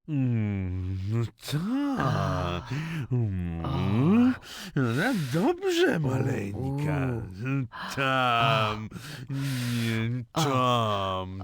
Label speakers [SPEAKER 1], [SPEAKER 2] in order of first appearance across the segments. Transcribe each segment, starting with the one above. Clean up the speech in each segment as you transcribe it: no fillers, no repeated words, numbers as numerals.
[SPEAKER 1] No tak. No dobrze, maleńka. Tam. Nie, tam.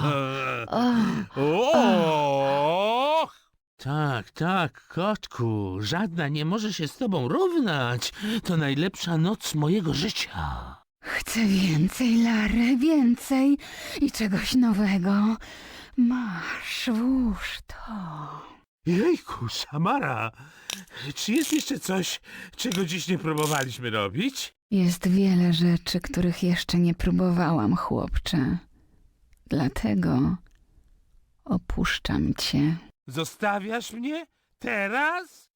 [SPEAKER 1] O! Tak, tak, kotku. Żadna nie może się z tobą równać. To najlepsza noc mojego życia.
[SPEAKER 2] Chcę więcej, Larry, więcej i czegoś nowego. Masz, włóż to.
[SPEAKER 1] Jejku, Samara. Czy jest jeszcze coś, czego dziś nie próbowaliśmy robić?
[SPEAKER 2] Jest wiele rzeczy, których jeszcze nie próbowałam, chłopcze. Dlatego opuszczam cię.
[SPEAKER 1] Zostawiasz mnie? Teraz?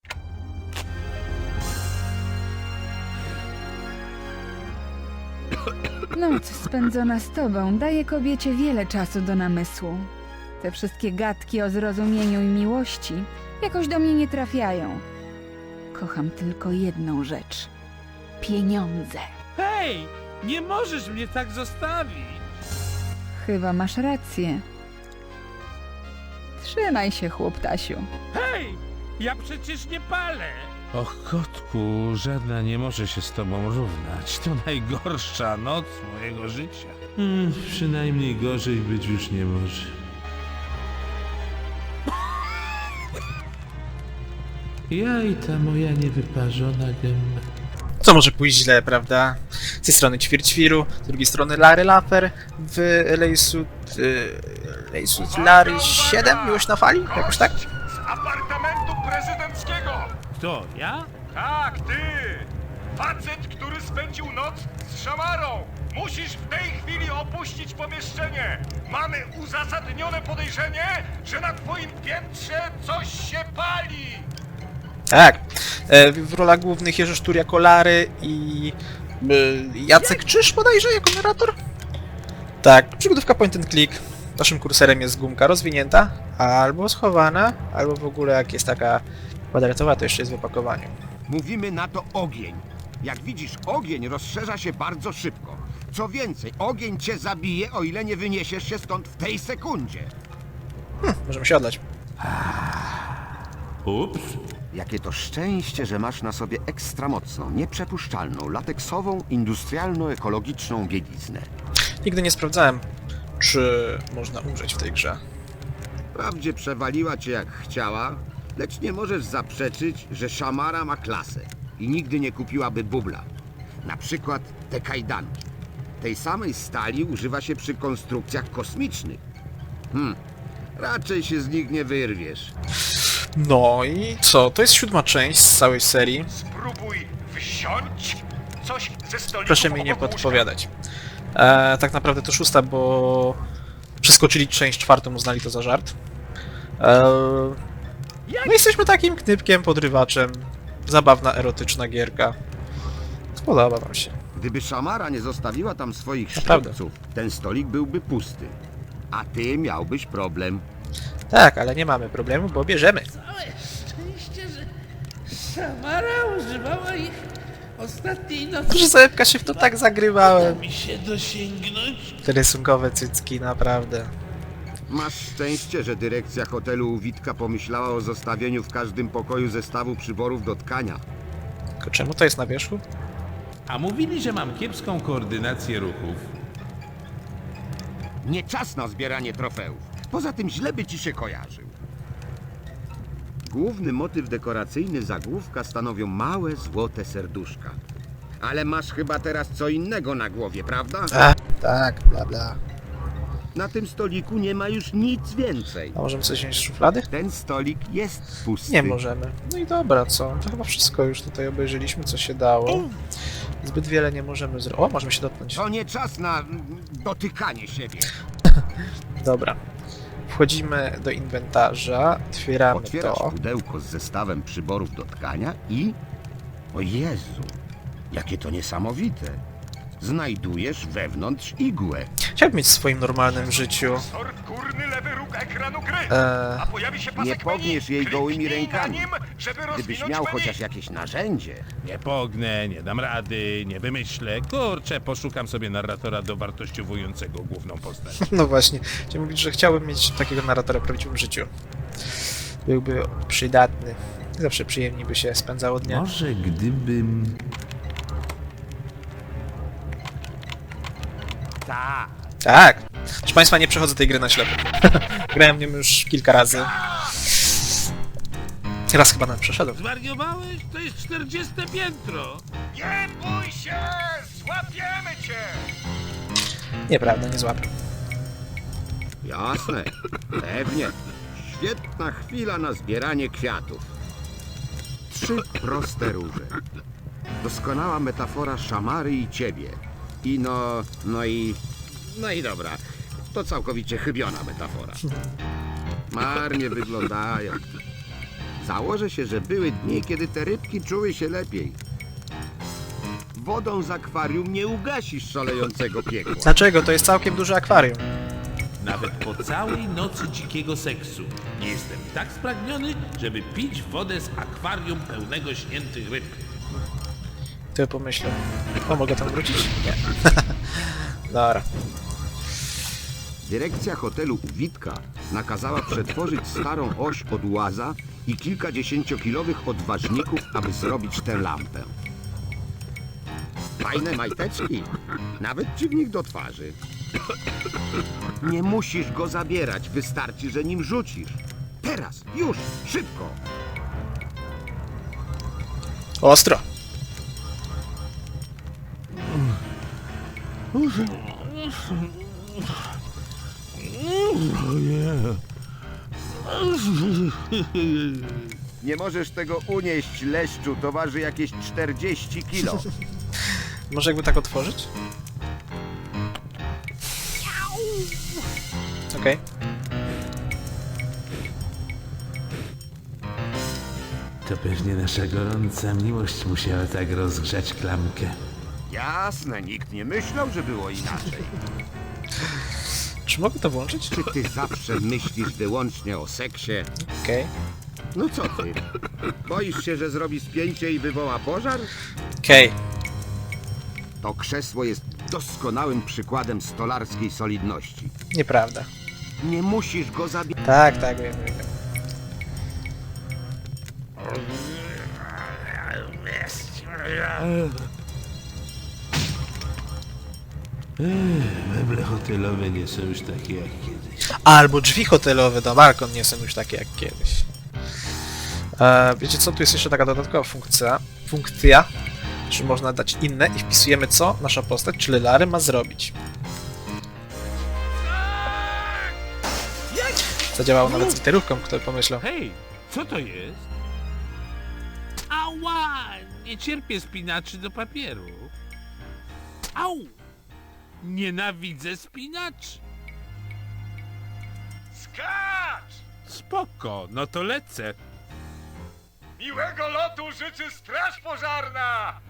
[SPEAKER 2] Noc spędzona z tobą daje kobiecie wiele czasu do namysłu. Te wszystkie gadki o zrozumieniu i miłości jakoś do mnie nie trafiają. Kocham tylko jedną rzecz. Pieniądze.
[SPEAKER 1] Hej! Nie możesz mnie tak zostawić!
[SPEAKER 2] Chyba masz rację. Trzymaj się, chłoptasiu.
[SPEAKER 1] Hej! Ja przecież nie palę! Och, kotku, żadna nie może się z tobą równać. To najgorsza noc mojego życia. Przynajmniej gorzej być już nie może. Ja i ta moja niewyparzona gęba.
[SPEAKER 3] Co może pójść źle, prawda? Z tej strony Ćwierćwiru, z drugiej strony Larry Laffer, w Lejsut Larry 7, miłość na fali? Jakoś tak?
[SPEAKER 4] Z apartamentu prezydenckiego!
[SPEAKER 1] Kto, ja?
[SPEAKER 4] Tak, ty! Facet, który spędził noc z szamarą! Musisz w tej chwili opuścić pomieszczenie! Mamy uzasadnione podejrzenie, że na twoim piętrze coś się pali!
[SPEAKER 3] Tak. W rolach głównych Jerzy Sztur jako Larry i Jacek Czyż bodajże jako narrator? Tak, przygodówka point and click. Naszym kursorem jest gumka rozwinięta, albo schowana, albo w ogóle jak jest taka kwadratowa, to jeszcze jest w opakowaniu.
[SPEAKER 5] Mówimy na to ogień. Jak widzisz, ogień rozszerza się bardzo szybko. Co więcej, ogień cię zabije, o ile nie wyniesiesz się stąd w tej sekundzie.
[SPEAKER 3] Możemy się odlać.
[SPEAKER 1] Ups.
[SPEAKER 5] Jakie to szczęście, że masz na sobie ekstra mocną, nieprzepuszczalną, lateksową, industrialno-ekologiczną bieliznę.
[SPEAKER 3] Nigdy nie sprawdzałem, czy można umrzeć w tej grze.
[SPEAKER 5] Wprawdzie przewaliła cię jak chciała, lecz nie możesz zaprzeczyć, że szamara ma klasę i nigdy nie kupiłaby bubla. Na przykład te kajdanki. Tej samej stali używa się przy konstrukcjach kosmicznych. Raczej się z nich nie wyrwiesz.
[SPEAKER 3] No i co? To jest 7. część z całej serii.
[SPEAKER 4] Spróbuj wziąć coś ze stoliku
[SPEAKER 3] Proszę mi nie
[SPEAKER 4] obok łóżka.
[SPEAKER 3] podpowiadać. Tak naprawdę to 6, bo przeskoczyli część 4, uznali to za żart. No jesteśmy takim knypkiem, podrywaczem. Zabawna, erotyczna gierka. Spodoba wam się.
[SPEAKER 5] Gdyby szamara nie zostawiła tam swoich
[SPEAKER 3] Naprawdę.
[SPEAKER 5] sztućców, ten stolik byłby pusty. A ty miałbyś problem.
[SPEAKER 3] Tak, ale nie mamy problemu, bo bierzemy.
[SPEAKER 6] Całe szczęście, że Samara używała ich ostatniej nocy.
[SPEAKER 3] Proszę sobie się w to tak zagrywałem.
[SPEAKER 6] Mi się dosięgnąć.
[SPEAKER 3] Te rysunkowe cycki, naprawdę.
[SPEAKER 5] Masz szczęście, że dyrekcja hotelu u Witka pomyślała o zostawieniu w każdym pokoju zestawu przyborów do tkania.
[SPEAKER 3] Tylko czemu to jest na wierzchu?
[SPEAKER 1] A mówili, że mam kiepską koordynację ruchów.
[SPEAKER 5] Nie czas na zbieranie trofeów. Poza tym źle by ci się kojarzył. Główny motyw dekoracyjny zagłówka stanowią małe, złote serduszka. Ale masz chyba teraz co innego na głowie, prawda?
[SPEAKER 3] Tak, bla bla.
[SPEAKER 5] Na tym stoliku nie ma już nic więcej.
[SPEAKER 3] A możemy coś wziąć z szuflady?
[SPEAKER 5] Ten stolik jest pusty.
[SPEAKER 3] Nie możemy. No i dobra, co? To chyba wszystko już tutaj obejrzeliśmy, co się dało. Zbyt wiele nie możemy zrobić. O, możemy się dotknąć.
[SPEAKER 5] To nie czas na dotykanie siebie.
[SPEAKER 3] Dobra. Wchodzimy do inwentarza, otwieramy
[SPEAKER 5] Otwierasz
[SPEAKER 3] to.
[SPEAKER 5] pudełko z zestawem przyborów do tkania i... O Jezu, jakie to niesamowite. Znajdujesz wewnątrz igłę.
[SPEAKER 3] Chciałbym mieć w swoim normalnym życiu.
[SPEAKER 4] Sor górny lewy róg ekranu gry. A pojawi się pasek
[SPEAKER 5] Nie pogniesz
[SPEAKER 4] menu.
[SPEAKER 5] jej gołymi
[SPEAKER 4] Kliknij na
[SPEAKER 5] rękami.
[SPEAKER 4] nim, żeby
[SPEAKER 5] Gdybyś
[SPEAKER 4] rozwinąć
[SPEAKER 5] miał
[SPEAKER 4] menu.
[SPEAKER 5] chociaż jakieś narzędzie.
[SPEAKER 1] Nie pognę, nie dam rady, nie wymyślę. Kurczę, poszukam sobie narratora dowartościowującego główną postać.
[SPEAKER 3] No właśnie, chciałem mówić, że chciałbym mieć takiego narratora w prawdziwym życiu. byłby przydatny. Zawsze przyjemnie by się spędzało dnia.
[SPEAKER 1] Może gdybym...
[SPEAKER 3] Tak. Proszę Państwa, nie przechodzę tej gry na ślepo. Grałem w nią już kilka razy. Raz chyba nawet przeszedłem.
[SPEAKER 1] Zwariowałeś? To jest 40 piętro!
[SPEAKER 4] Nie bój się! Złapiemy cię!
[SPEAKER 3] Nieprawda, nie złapię.
[SPEAKER 5] Jasne, pewnie. Świetna chwila na zbieranie kwiatów. 3 proste róże. Doskonała metafora Szamary i ciebie. I no i dobra. To całkowicie chybiona metafora. Marnie wyglądają. Założę się, że były dni, kiedy te rybki czuły się lepiej. Wodą z akwarium nie ugasisz szalejącego piekła.
[SPEAKER 3] Dlaczego? To jest całkiem duże akwarium.
[SPEAKER 1] Nawet po całej nocy dzikiego seksu nie jestem tak spragniony, żeby pić wodę z akwarium pełnego śniętych ryb.
[SPEAKER 3] Ty pomyślę. O, mogę tam wrócić? Nie. Dobra.
[SPEAKER 5] Dyrekcja hotelu u Witka nakazała przetworzyć starą oś od łaza i kilkadziesięciokilowych odważników, aby zrobić tę lampę. Fajne majteczki, nawet ci w nich do twarzy. Nie musisz go zabierać, wystarczy, że nim rzucisz. Teraz, już, szybko!
[SPEAKER 3] Ostro.
[SPEAKER 5] Nie możesz tego unieść, leszczu, to waży jakieś 40 kilo.
[SPEAKER 3] Może jakby tak otworzyć? Okej.
[SPEAKER 1] To pewnie nasza gorąca miłość musiała tak rozgrzać klamkę.
[SPEAKER 5] Jasne, nikt nie myślał, że było inaczej.
[SPEAKER 3] Czy mogę to włączyć?
[SPEAKER 5] Czy ty zawsze myślisz wyłącznie o seksie?
[SPEAKER 3] Okej.
[SPEAKER 5] No co ty? Boisz się, że zrobi spięcie i wywoła pożar?
[SPEAKER 3] Okej.
[SPEAKER 5] To krzesło jest doskonałym przykładem stolarskiej solidności.
[SPEAKER 3] Nieprawda.
[SPEAKER 5] Nie musisz go zabierać.
[SPEAKER 3] Tak, wiem.
[SPEAKER 1] Meble hotelowe nie są już takie jak kiedyś.
[SPEAKER 3] Albo drzwi hotelowe do balkon nie są już takie jak kiedyś. Wiecie co? Tu jest jeszcze taka dodatkowa funkcja, że można dać inne i wpisujemy co nasza postać, czyli Larry ma zrobić. Zadziałało nawet z literówką, kto pomyślał.
[SPEAKER 1] Hej, co to jest? Ała! Nie cierpię spinaczy do papieru. Au! Nienawidzę spinaczy.
[SPEAKER 4] Skacz!
[SPEAKER 1] Spoko, no to lecę.
[SPEAKER 4] Miłego lotu życzy Straż Pożarna!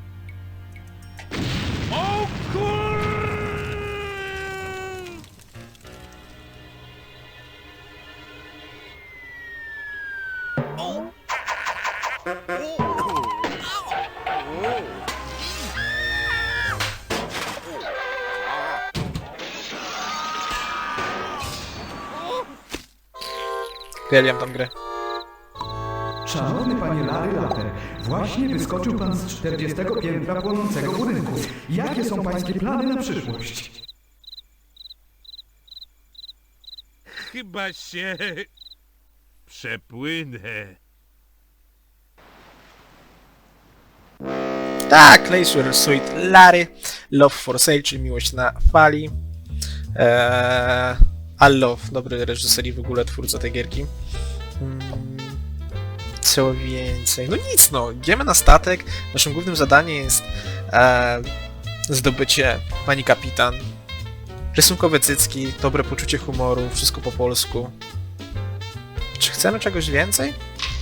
[SPEAKER 1] O kur...
[SPEAKER 3] Uwielbiam tam grę.
[SPEAKER 7] Szanowny panie Larry Laffer, właśnie wyskoczył pan z 40 piętra płonącego budynku. Jakie są pańskie plany na przyszłość?
[SPEAKER 1] Chyba się... przepłynę.
[SPEAKER 3] Tak, Leisure Suite Larry, Love for Sale, czyli miłość na fali. Love, dobry reżyser i w ogóle twórca tej gierki. Co więcej? No nic, no. Idziemy na statek. Naszym głównym zadaniem jest zdobycie pani kapitan. Rysunkowe cycki, dobre poczucie humoru, wszystko po polsku. Czy chcemy czegoś więcej?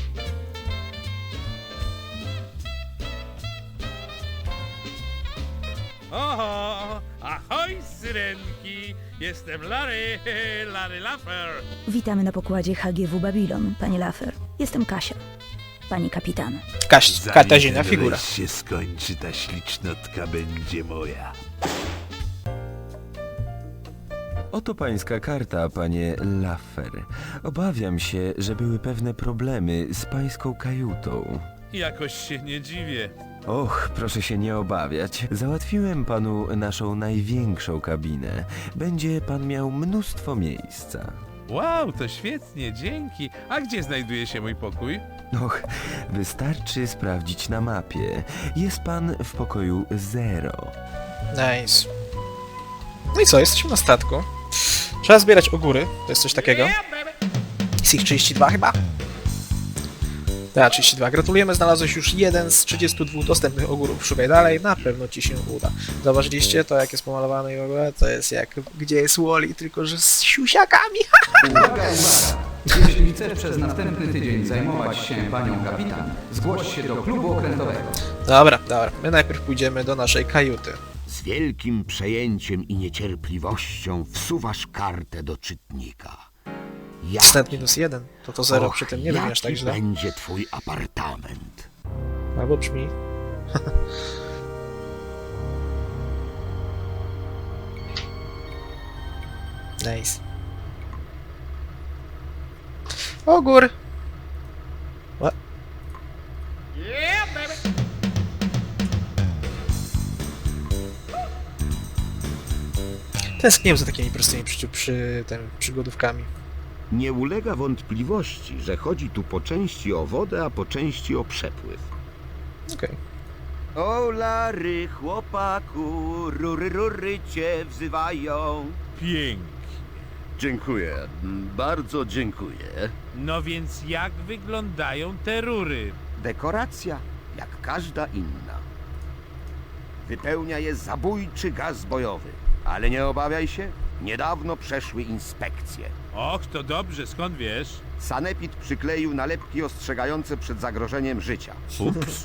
[SPEAKER 1] Oho! Ahoj, syrenki! Jestem Larry, Larry Laffer.
[SPEAKER 8] Witamy na pokładzie HGW Babylon, panie Laffer. Jestem Kasia, pani kapitan.
[SPEAKER 3] Katarzyna figura.
[SPEAKER 1] Zanim się skończy, ta ślicznotka będzie moja.
[SPEAKER 9] Oto pańska karta, panie Laffer. Obawiam się, że były pewne problemy z pańską kajutą.
[SPEAKER 1] Jakoś się nie dziwię.
[SPEAKER 9] Och, proszę się nie obawiać. Załatwiłem panu naszą największą kabinę. Będzie pan miał mnóstwo miejsca.
[SPEAKER 1] Wow, to świetnie, dzięki. A gdzie znajduje się mój pokój?
[SPEAKER 9] Och, wystarczy sprawdzić na mapie. Jest pan w pokoju 0.
[SPEAKER 3] Nice. No i co, jesteśmy na statku. Trzeba zbierać ogóry, to jest coś takiego. Jest ich 32 chyba? Tak, 32. Gratulujemy, znalazłeś już jeden z 32 dostępnych ogórów. Szukaj dalej, na pewno ci się uda. Zauważyliście to, jak jest pomalowane i w ogóle? To jest jak Gdzie jest Wall-E, tylko że z siusiakami.
[SPEAKER 7] Uwaga, uwaga! Jeśli chcesz przez następny tydzień zajmować się panią kapitan, zgłoś się do klubu okrętowego.
[SPEAKER 3] Dobra. My najpierw pójdziemy do naszej kajuty.
[SPEAKER 5] Z wielkim przejęciem i niecierpliwością wsuwasz kartę do czytnika.
[SPEAKER 3] Stat -1, to 0 przy tym nie brzmi aż tak
[SPEAKER 5] jaki
[SPEAKER 3] źle.
[SPEAKER 5] będzie twój apartament?
[SPEAKER 3] Albo brzmi. Nice. Ogór! What? Tęskniłem za takimi prostymi przygodówkami.
[SPEAKER 5] Nie ulega wątpliwości, że chodzi tu po części o wodę, a po części o przepływ.
[SPEAKER 3] Okej.
[SPEAKER 10] O Lary, chłopaku, rury cię wzywają.
[SPEAKER 1] Pięknie.
[SPEAKER 10] Dziękuję, bardzo dziękuję.
[SPEAKER 1] No więc jak wyglądają te rury?
[SPEAKER 10] Dekoracja, jak każda inna. Wypełnia je zabójczy gaz bojowy. Ale nie obawiaj się, niedawno przeszły inspekcje.
[SPEAKER 1] Och, to dobrze, skąd wiesz?
[SPEAKER 10] Sanepid przykleił nalepki ostrzegające przed zagrożeniem życia.
[SPEAKER 1] Ups.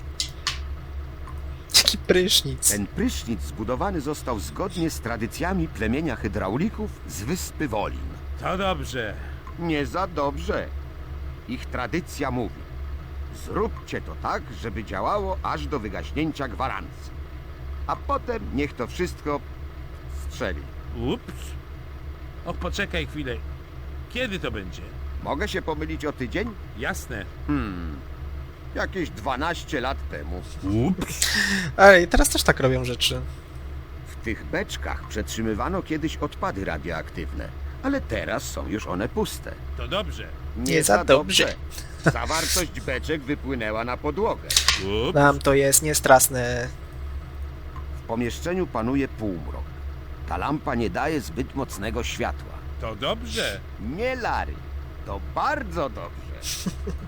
[SPEAKER 3] Jaki prysznic.
[SPEAKER 10] Ten prysznic zbudowany został zgodnie z tradycjami plemienia hydraulików z wyspy Wolin.
[SPEAKER 1] To dobrze.
[SPEAKER 10] Nie za dobrze. Ich tradycja mówi: zróbcie to tak, żeby działało aż do wygaśnięcia gwarancji. A potem niech to wszystko strzeli.
[SPEAKER 1] Ups. Och, poczekaj chwilę. Kiedy to będzie?
[SPEAKER 10] Mogę się pomylić o tydzień?
[SPEAKER 1] Jasne.
[SPEAKER 10] Jakieś 12 lat temu.
[SPEAKER 1] Ups.
[SPEAKER 3] Ej, teraz też tak robią rzeczy.
[SPEAKER 10] W tych beczkach przetrzymywano kiedyś odpady radioaktywne, ale teraz są już one puste.
[SPEAKER 1] To dobrze.
[SPEAKER 3] Nie za dobrze.
[SPEAKER 10] Zawartość beczek wypłynęła na podłogę.
[SPEAKER 1] Ups.
[SPEAKER 3] Nam to jest niestrasne.
[SPEAKER 10] W pomieszczeniu panuje półmrok. Ta lampa nie daje zbyt mocnego światła.
[SPEAKER 1] To dobrze.
[SPEAKER 10] Nie, Lary, to bardzo dobrze.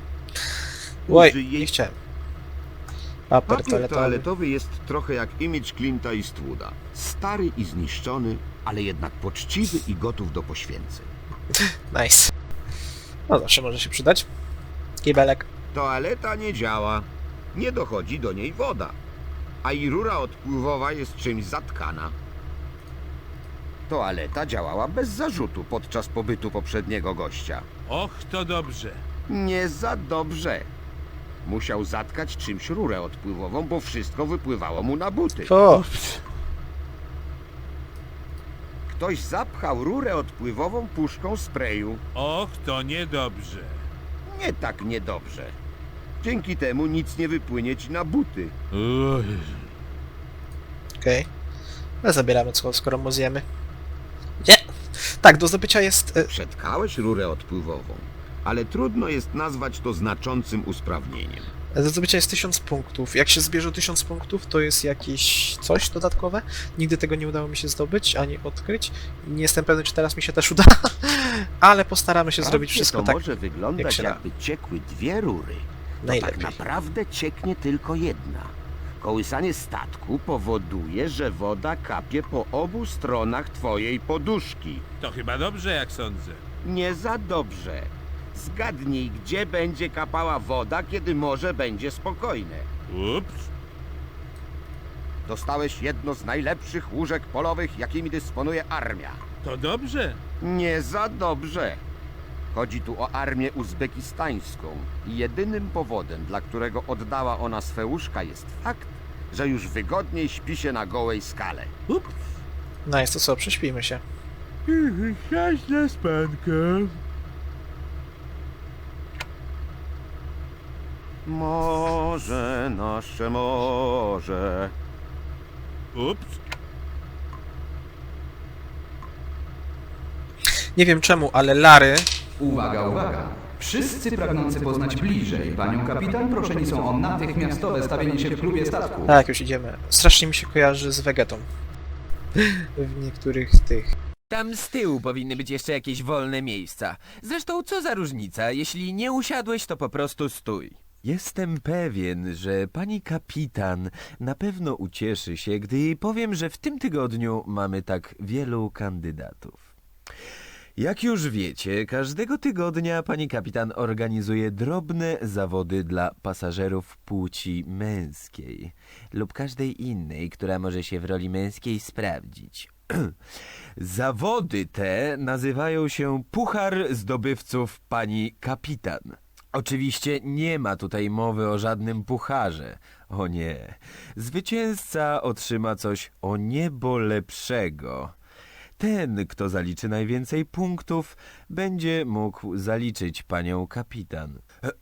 [SPEAKER 3] Oj,
[SPEAKER 10] Użyj jej-
[SPEAKER 3] nie chciałem. Papier
[SPEAKER 5] Papier
[SPEAKER 3] toaletowy.
[SPEAKER 5] toaletowy jest trochę jak imidż Clint'a Eastwooda. Stary i zniszczony, ale jednak poczciwy i gotów do poświęceń.
[SPEAKER 3] Nice. No zawsze może się przydać. Kibelek.
[SPEAKER 5] Toaleta nie działa. Nie dochodzi do niej woda. A i rura odpływowa jest czymś zatkana.
[SPEAKER 10] Toaleta działała bez zarzutu podczas pobytu poprzedniego gościa.
[SPEAKER 1] Och, to dobrze.
[SPEAKER 10] Nie za dobrze. Musiał zatkać czymś rurę odpływową, bo wszystko wypływało mu na buty.
[SPEAKER 3] O,
[SPEAKER 10] Ktoś zapchał rurę odpływową puszką sprayu.
[SPEAKER 1] Och, to niedobrze.
[SPEAKER 10] Nie tak niedobrze. Dzięki temu nic nie wypłynie ci na buty.
[SPEAKER 1] Uj.
[SPEAKER 3] okej. Ale zabieramy, skoro mu zjemy. Nie! Tak, do zdobycia jest...
[SPEAKER 5] Przetkałeś rurę odpływową, ale trudno jest nazwać to znaczącym usprawnieniem.
[SPEAKER 3] Do zdobycia jest 1000 punktów. Jak się zbierze 1000 punktów, to jest jakieś coś dodatkowe. Nigdy tego nie udało mi się zdobyć, ani odkryć. Nie jestem pewny, czy teraz mi się też uda, ale postaramy się zrobić
[SPEAKER 10] Wprawdzie
[SPEAKER 3] wszystko
[SPEAKER 10] to
[SPEAKER 3] tak,
[SPEAKER 10] może
[SPEAKER 3] jak
[SPEAKER 10] wyglądać,
[SPEAKER 3] się da.
[SPEAKER 10] jakby ciekły dwie rury. To
[SPEAKER 3] Najlepiej.
[SPEAKER 10] tak naprawdę cieknie tylko jedna. Kołysanie statku powoduje, że woda kapie po obu stronach twojej poduszki.
[SPEAKER 1] To chyba dobrze, jak sądzę.
[SPEAKER 10] Nie za dobrze. Zgadnij, gdzie będzie kapała woda, kiedy morze będzie spokojne.
[SPEAKER 1] Ups.
[SPEAKER 10] Dostałeś jedno z najlepszych łóżek polowych, jakimi dysponuje armia.
[SPEAKER 1] To dobrze.
[SPEAKER 10] Nie za dobrze. Chodzi tu o armię uzbekistańską i jedynym powodem, dla którego oddała ona swe łóżka, jest fakt, że już wygodniej śpi się na gołej skale.
[SPEAKER 1] Ups.
[SPEAKER 3] No jest to co, prześpijmy się.
[SPEAKER 1] Siadź na spankę.
[SPEAKER 10] Morze, nasze morze.
[SPEAKER 1] Ups.
[SPEAKER 3] Nie wiem czemu, ale Lary...
[SPEAKER 7] Uwaga, uwaga! Wszyscy pragnący poznać bliżej panią kapitan proszeni są o natychmiastowe stawienie się w klubie statku.
[SPEAKER 3] Tak, już idziemy. Strasznie mi się kojarzy z Vegetą. W niektórych tych...
[SPEAKER 9] Tam z tyłu powinny być jeszcze jakieś wolne miejsca. Zresztą co za różnica, jeśli nie usiadłeś, to po prostu stój. Jestem pewien, że pani kapitan na pewno ucieszy się, gdy jej powiem, że w tym tygodniu mamy tak wielu kandydatów. Jak już wiecie, każdego tygodnia pani kapitan organizuje drobne zawody dla pasażerów płci męskiej lub każdej innej, która może się w roli męskiej sprawdzić. Zawody te nazywają się Puchar Zdobywców Pani Kapitan. Oczywiście nie ma tutaj mowy o żadnym pucharze. O nie. Zwycięzca otrzyma coś o niebo lepszego. Ten, kto zaliczy najwięcej punktów, będzie mógł zaliczyć panią kapitan.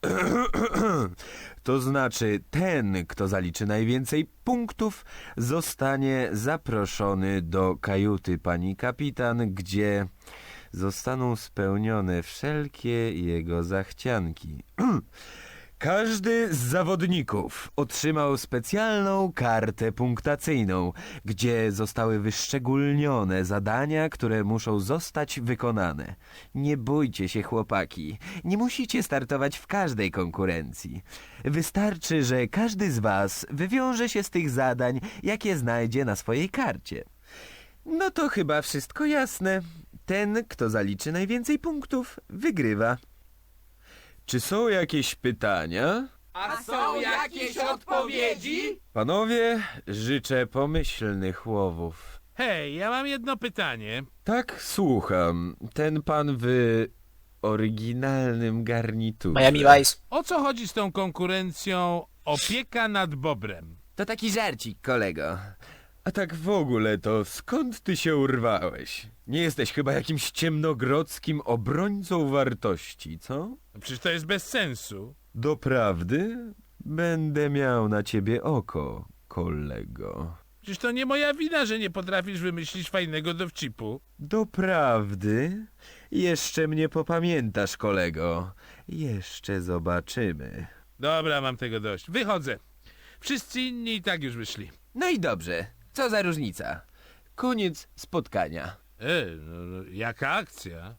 [SPEAKER 9] To znaczy, ten, kto zaliczy najwięcej punktów, zostanie zaproszony do kajuty pani kapitan, gdzie zostaną spełnione wszelkie jego zachcianki. Każdy z zawodników otrzymał specjalną kartę punktacyjną, gdzie zostały wyszczególnione zadania, które muszą zostać wykonane. Nie bójcie się, chłopaki, nie musicie startować w każdej konkurencji. Wystarczy, że każdy z was wywiąże się z tych zadań, jakie znajdzie na swojej karcie. No to chyba wszystko jasne. Ten, kto zaliczy najwięcej punktów, wygrywa. Czy są jakieś pytania?
[SPEAKER 6] A są jakieś odpowiedzi?
[SPEAKER 9] Panowie, życzę pomyślnych łowów.
[SPEAKER 1] Hej, ja mam jedno pytanie.
[SPEAKER 9] Tak, słucham. Ten pan w oryginalnym garniturze.
[SPEAKER 3] Miami Vice.
[SPEAKER 1] O co chodzi z tą konkurencją opieka nad bobrem?
[SPEAKER 9] To taki żarcik, kolego. A tak w ogóle to skąd ty się urwałeś? Nie jesteś chyba jakimś ciemnogrodzkim obrońcą wartości, co?
[SPEAKER 1] Przecież to jest bez sensu.
[SPEAKER 9] Doprawdy? Będę miał na ciebie oko, kolego.
[SPEAKER 1] Przecież to nie moja wina, że nie potrafisz wymyślić fajnego dowcipu.
[SPEAKER 9] Doprawdy? Jeszcze mnie popamiętasz, kolego. Jeszcze zobaczymy.
[SPEAKER 1] Dobra, mam tego dość. Wychodzę. Wszyscy inni i tak już wyszli.
[SPEAKER 9] No i dobrze. Co za różnica? Koniec spotkania.
[SPEAKER 1] No, jaka akcja?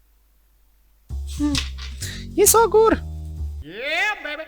[SPEAKER 3] Jest ogór!
[SPEAKER 6] Yeah, baby!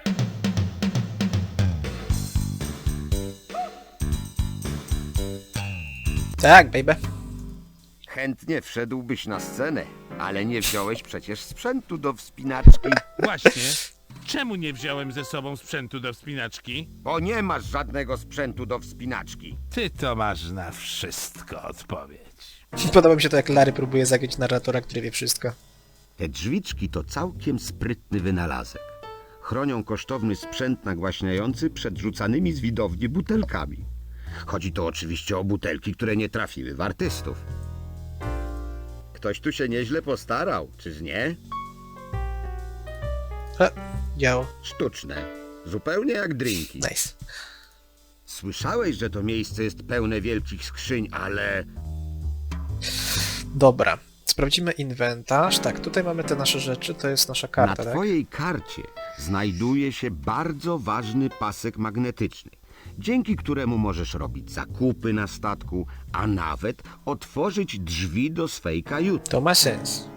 [SPEAKER 3] Tak, baby.
[SPEAKER 10] Chętnie wszedłbyś na scenę, ale nie wziąłeś przecież sprzętu do wspinaczki,
[SPEAKER 1] Właśnie. Czemu nie wziąłem ze sobą sprzętu do wspinaczki?
[SPEAKER 10] bo nie masz żadnego sprzętu do wspinaczki.
[SPEAKER 1] Ty to masz na wszystko odpowiedź.
[SPEAKER 3] Podoba mi się to, jak Lary próbuje zagrać narratora, który wie wszystko.
[SPEAKER 10] Te drzwiczki to całkiem sprytny wynalazek. Chronią kosztowny sprzęt nagłaśniający przed rzucanymi z widowni butelkami. Chodzi tu oczywiście o butelki, które nie trafiły w artystów. Ktoś tu się nieźle postarał, czyż nie?
[SPEAKER 3] Działo.
[SPEAKER 10] Sztuczne. Zupełnie jak drinki.
[SPEAKER 3] Nice.
[SPEAKER 10] Słyszałeś, że to miejsce jest pełne wielkich skrzyń, ale...
[SPEAKER 3] Dobra. Sprawdzimy inwentarz. Tak, tutaj mamy te nasze rzeczy, to jest nasza karta,
[SPEAKER 10] Na
[SPEAKER 3] tak?
[SPEAKER 10] twojej karcie znajduje się bardzo ważny pasek magnetyczny, dzięki któremu możesz robić zakupy na statku, a nawet otworzyć drzwi do swej kajuty.
[SPEAKER 3] To ma sens.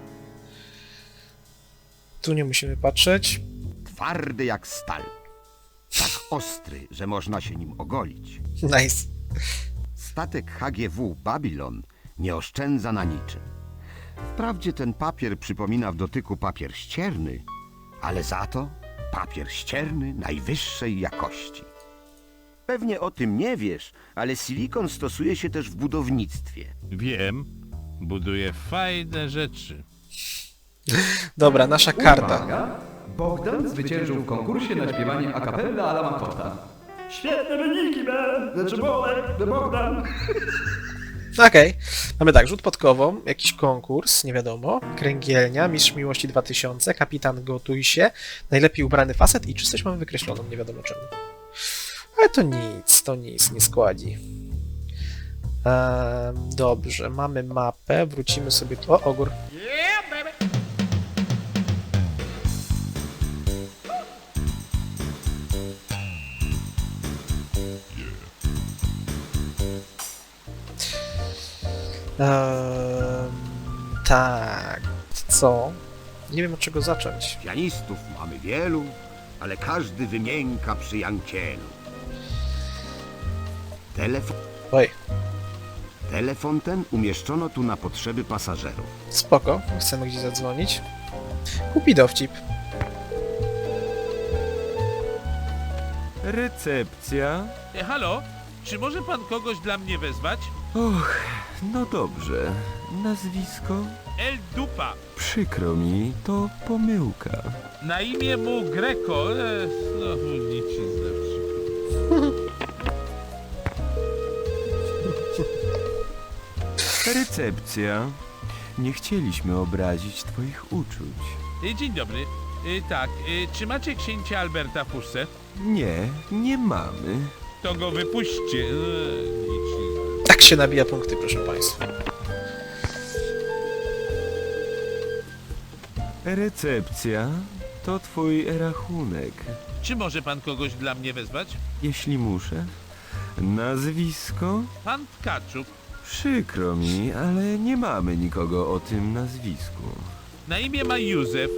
[SPEAKER 3] Tu nie musimy patrzeć.
[SPEAKER 10] Twardy jak stal. Tak ostry, że można się nim ogolić.
[SPEAKER 3] Nice.
[SPEAKER 10] Statek HGW Babylon nie oszczędza na niczym. Wprawdzie ten papier przypomina w dotyku papier ścierny, ale za to papier ścierny najwyższej jakości. Pewnie o tym nie wiesz, ale silikon stosuje się też w budownictwie.
[SPEAKER 1] Wiem. Buduję fajne rzeczy.
[SPEAKER 3] Dobra, nasza karta.
[SPEAKER 7] Uwaga! Bogdan zwyciężył w konkursie na śpiewanie a cappella alla Makota. Świetne wyniki, Ben! Znaczy Bolek, Bogdan!
[SPEAKER 3] Okej. Mamy tak, rzut podkową, jakiś konkurs, nie wiadomo, kręgielnia, mistrz miłości 2000, kapitan gotuj się, najlepiej ubrany facet i czystość mamy wykreśloną, nie wiadomo czemu. Ale to nic, nie składzi. Dobrze, mamy mapę, wrócimy sobie tu. O, ogór.
[SPEAKER 6] Yeah, baby.
[SPEAKER 3] Tak, co? Nie wiem od czego zacząć.
[SPEAKER 10] Pianistów mamy wielu, ale każdy wymięka przy Jancielu.
[SPEAKER 3] Oj,
[SPEAKER 10] Telefon ten umieszczono tu na potrzeby pasażerów.
[SPEAKER 3] spoko, chcemy gdzieś zadzwonić. Kupi dowcip.
[SPEAKER 9] Recepcja?
[SPEAKER 1] Halo? Czy może pan kogoś dla mnie wezwać?
[SPEAKER 9] Och, no dobrze. Nazwisko?
[SPEAKER 1] El Dupa.
[SPEAKER 9] Przykro mi, to pomyłka.
[SPEAKER 1] Na imię mu Greco. Znowu nic się zepsuło.
[SPEAKER 9] Recepcja. Nie chcieliśmy obrazić twoich uczuć.
[SPEAKER 1] Dzień dobry. Tak, czy macie księcia Alberta w puszce?
[SPEAKER 9] Nie, nie mamy.
[SPEAKER 1] To go wypuśćcie. Nic się zepsuło.
[SPEAKER 3] Tak się nabija punkty, proszę państwa.
[SPEAKER 9] Recepcja to twój rachunek.
[SPEAKER 1] Czy może pan kogoś dla mnie wezwać?
[SPEAKER 9] Jeśli muszę. Nazwisko?
[SPEAKER 1] Pan Tkaczuk.
[SPEAKER 9] Przykro mi, ale nie mamy nikogo o tym nazwisku.
[SPEAKER 1] Na imię ma Józef.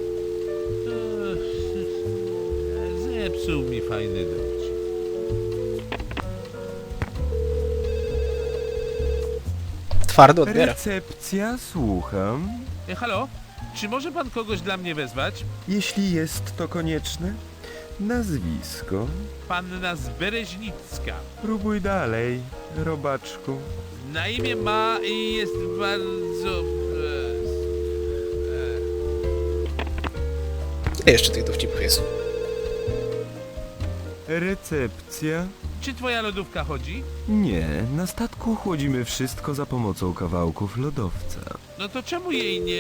[SPEAKER 1] Zepsuł mi fajny dowcip.
[SPEAKER 3] Twardo odbiera.
[SPEAKER 9] Recepcja, słucham.
[SPEAKER 1] Halo? Czy może pan kogoś dla mnie wezwać?
[SPEAKER 9] Jeśli jest to konieczne. Nazwisko?
[SPEAKER 1] Panna Zbereźnicka.
[SPEAKER 9] Próbuj dalej, robaczku.
[SPEAKER 1] Na imię ma i jest bardzo...
[SPEAKER 3] Ile jeszcze tych dowcipów jest?
[SPEAKER 9] Recepcja?
[SPEAKER 1] Czy twoja lodówka chodzi?
[SPEAKER 9] Nie, na statku chłodzimy wszystko za pomocą kawałków lodowca.
[SPEAKER 1] No to czemu jej nie...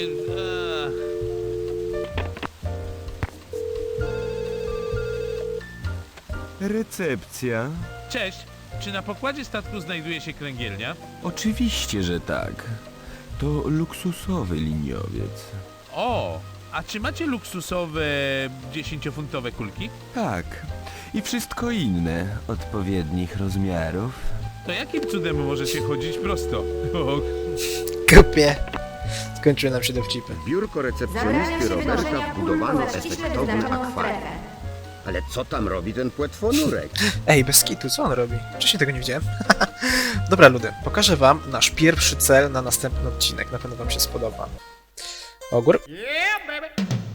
[SPEAKER 9] Recepcja?
[SPEAKER 1] Cześć, czy na pokładzie statku znajduje się kręgielnia?
[SPEAKER 9] Oczywiście, że tak. To luksusowy liniowiec.
[SPEAKER 1] O, a czy macie luksusowe 10-funtowe kulki?
[SPEAKER 9] Tak. I wszystko inne odpowiednich rozmiarów.
[SPEAKER 1] To jakim cudem możecie chodzić prosto? Och.
[SPEAKER 3] Kupie. Skończyły nam się dowcipy.
[SPEAKER 10] Biurko recepcjonisty Roberta wbudowano efektowny akwarium. Ale co tam robi ten płetwonurek?
[SPEAKER 3] Ej, bez kitu, co on robi? Wcześniej tego nie widziałem. Dobra, ludy, pokażę wam nasz pierwszy cel na następny odcinek. Na pewno wam się spodoba. Ogór.
[SPEAKER 6] Yeah, baby.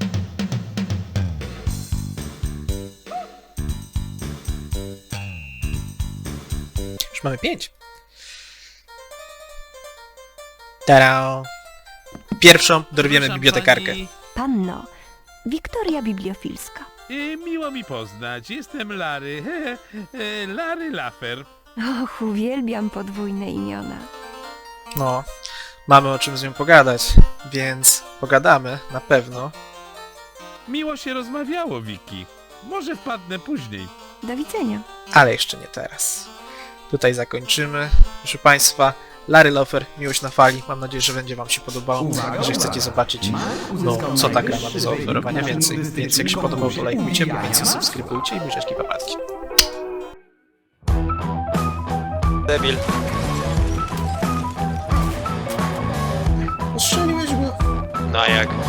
[SPEAKER 3] Już mamy 5. Tada! Pierwszą dorwiemy
[SPEAKER 1] Proszę
[SPEAKER 3] bibliotekarkę.
[SPEAKER 1] pani,
[SPEAKER 8] Panno, Wiktoria Bibliofilska.
[SPEAKER 1] miło mi poznać. Jestem Larry. Larry Laffer.
[SPEAKER 8] Och, uwielbiam podwójne imiona.
[SPEAKER 3] No, mamy o czym z nią pogadać, więc pogadamy, na pewno.
[SPEAKER 1] Miło się rozmawiało, Wiki. Może wpadnę później.
[SPEAKER 8] Do widzenia.
[SPEAKER 3] Ale jeszcze nie teraz. Tutaj zakończymy. Proszę Państwa, Larry Lofer, Miłość na fali. Mam nadzieję, że będzie Wam się podobało. Że chcecie zobaczyć, no, co ta gra ma do zaoferowania więcej. Więc jak się podobało, to lajkujcie, bo więcej subskrybujcie i buziaczki papatki. Debil. Ostrzeliłeś go. No jak?